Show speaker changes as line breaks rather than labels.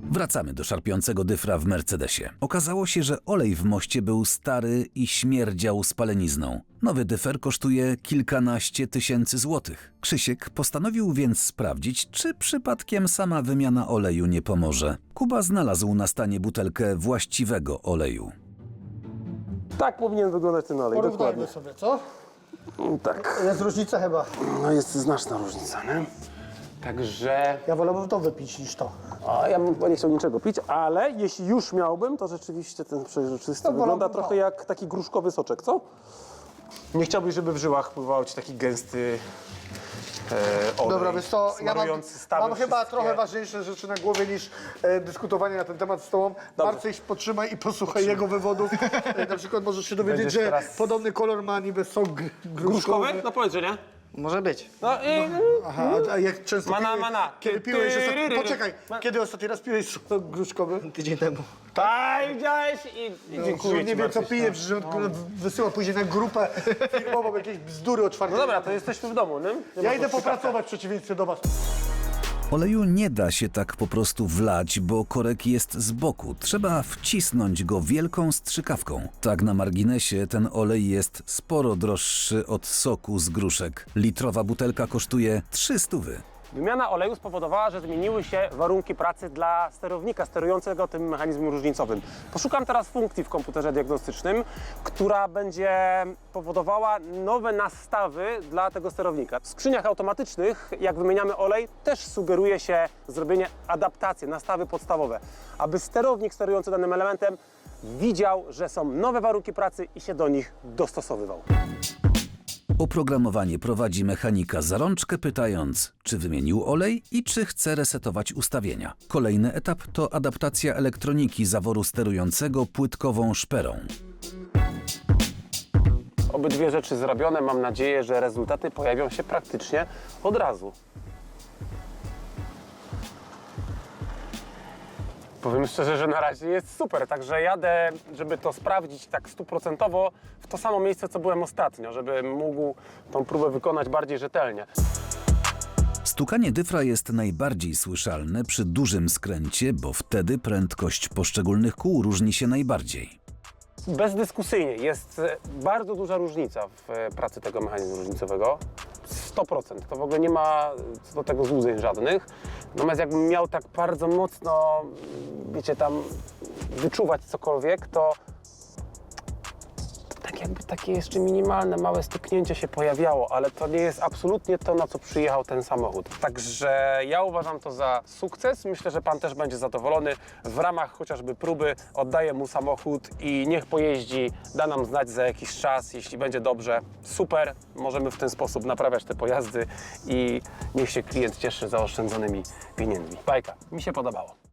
Wracamy do szarpiącego dyfra w Mercedesie. Okazało się, że olej w moście był stary i śmierdział spalenizną. Nowy dyfer kosztuje kilkanaście tysięcy złotych. Krzysiek postanowił więc sprawdzić, czy przypadkiem sama wymiana oleju nie pomoże. Kuba znalazł na stanie butelkę właściwego oleju.
Tak powinien wyglądać ten olej,
Porównajmy
dokładnie.
sobie, co?
Tak.
Jest różnica chyba.
No jest znaczna różnica, nie? Także...
Ja wolałbym to wypić niż to.
A ja bym chyba nie chciał niczego pić, ale jeśli już miałbym, to rzeczywiście ten przejrzysty
To
wygląda
wolałbym
trochę
to.
jak taki gruszkowy soczek, co? Nie chciałbyś, żeby w żyłach pływał ci taki gęsty olej.
Dobra, wiesz co, ja
smarujący stawy
mam chyba
wszystkie.
trochę ważniejsze rzeczy na głowie niż dyskutowanie na ten temat z tobą. Marcyś, potrzymaj i posłuchaj jego wywodów. Na przykład możesz się dowiedzieć,
Będziesz
że
teraz-
podobny kolor ma niby sok gruszkowy.
No powiedz, że nie?
Może być.
No i...
Aha, a jak często
Mana,
piłeś,
mana.
kiedy piłeś ostatni... Poczekaj,
Ma-
kiedy ostatni raz piłeś sok gruszkowy?
Tydzień temu.
Tak, widziałeś i dziękuję
Nie
ci,
wiem co
Marcyś,
pije,
no.
przecież on wysyła później na grupę firmową jakieś bzdury o czwartej.
No dobra, to jesteśmy w domu, nie? Nie
Ja
ma
idę
co
popracować w przeciwieństwie do was.
Oleju nie da się tak po prostu wlać, bo korek jest z boku. Trzeba wcisnąć go wielką strzykawką. Tak na marginesie ten olej jest sporo droższy od soku z gruszek. Litrowa butelka kosztuje 300.
Wymiana oleju spowodowała, że zmieniły się warunki pracy dla sterownika sterującego tym mechanizmem różnicowym. Poszukam teraz funkcji w komputerze diagnostycznym, która będzie powodowała nowe nastawy dla tego sterownika. W skrzyniach automatycznych, jak wymieniamy olej, też sugeruje się zrobienie adaptacji, nastawy podstawowe, aby sterownik sterujący danym elementem widział, że są nowe warunki pracy i się do nich dostosowywał.
Oprogramowanie prowadzi mechanika za rączkę, pytając, czy wymienił olej i czy chce resetować ustawienia. Kolejny etap to adaptacja elektroniki zaworu sterującego płytkową szperą.
Obydwie rzeczy zrobione, mam nadzieję, że rezultaty pojawią się praktycznie od razu. Powiem szczerze, że na razie jest super, także jadę, żeby to sprawdzić tak 100% w to samo miejsce, co byłem ostatnio, żeby mógł tą próbę wykonać bardziej rzetelnie.
Stukanie dyfra jest najbardziej słyszalne przy dużym skręcie, bo wtedy prędkość poszczególnych kół różni się najbardziej.
Bezdyskusyjnie jest bardzo duża różnica w pracy tego mechanizmu różnicowego. 100%. To w ogóle nie ma co do tego złudzeń żadnych. Natomiast jakbym miał tak bardzo mocno, wiecie, tam wyczuwać cokolwiek, to tak jakby takie jeszcze minimalne, małe stuknięcie się pojawiało, ale to nie jest absolutnie to, na co przyjechał ten samochód. Także ja uważam to za sukces. Myślę, że pan też będzie zadowolony. W ramach chociażby próby oddaję mu samochód i niech pojeździ, da nam znać za jakiś czas, jeśli będzie dobrze. Super, możemy w ten sposób naprawiać te pojazdy i niech się klient cieszy zaoszczędzonymi pieniędzmi. Bajka, mi się podobało.